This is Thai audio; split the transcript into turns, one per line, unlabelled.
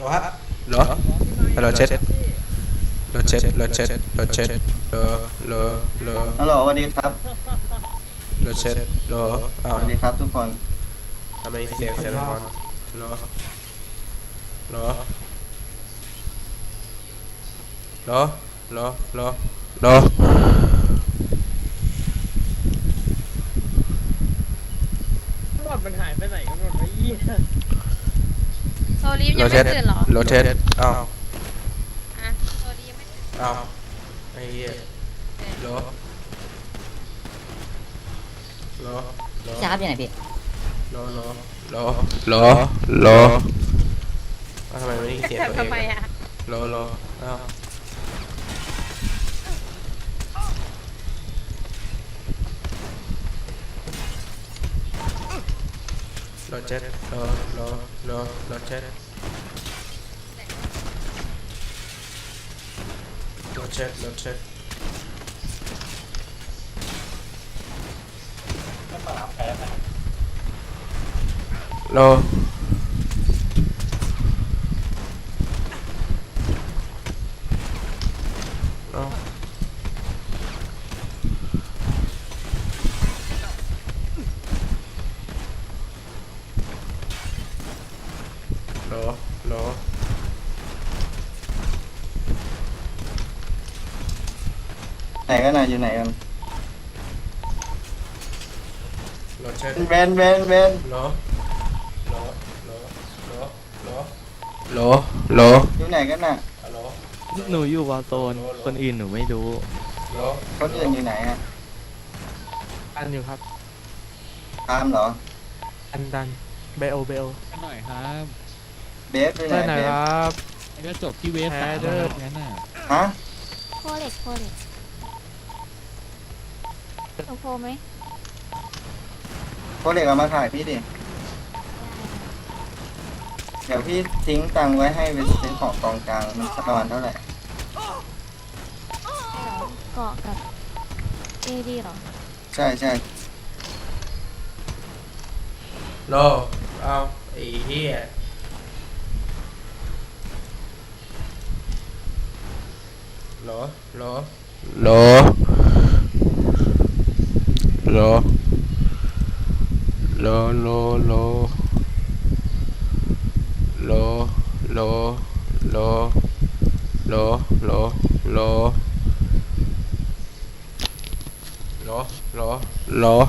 รอฮะรอรอเช็ดรอเช็ดรอเช็ดรอเช็ดรอรอรอ
ฮัลโหลสวัสดีครับ
รอเช็ดรออ้าว
สวัสดีครับทุกคน
ทำไมเสียงละครรอรอรอรอรอรอ
หลอดมันหายไปไหนกันหมดวะยี่
โซลีฟยังไม่ตื่นเหรอ
รอเช็ดอ้าว
อ่ะโซลีฟยังไม่ตื่น
อ้าวไอ้เหี้ยรอรอรอ
พี่ชาร์ปอยู่ไหนพี่
รอรอรอรอรอทำไมไม่ได้เสียงตัวเอง
ทำไมอ่ะ
รอรออ้าวรอเจ็ดรอรอรอรอเจ็ดรอเจ็ดรอเจ็ดรอรอรอรอ
ไหนกันนะอยู่ไหนกัน
รอเช็ด
เวนเวนเวน
รอรอรอรอรอรอรอ
อยู่ไหนกันน่ะ
รอ
หนูอยู่วอลโซนคนอื่นหนูไม่รู้
รอ
คนอื่นอยู่ไหนอ่ะ
อันอยู่ครับ
ตามเหรอ
อันดันเบลเบล
กันหน่อยครับ
เบฟอยู่ไหน
เพื่อนไหน
เบ
ค
ฟ
รับ
แล้วก็จบที่เวฟ
แพ้
สาม
เด้อ
งั้นน่ะ
ฮะ
โคเล็กโคเล็กโอโพไหม
พวกเด็กเอามาถ่ายพี่ดิเดี๋ยวพี่ทิ้งตังค์ไว้ให้ไปซื้อของกองกลางมันประมาณเท่าไหร่
เกาะกับเอดีหรอ
ใช่ใช่
รอเอาไอ้เหี้ยรอรอรอรอรอรอรอรอรอรอรอรอรอรอรอรอ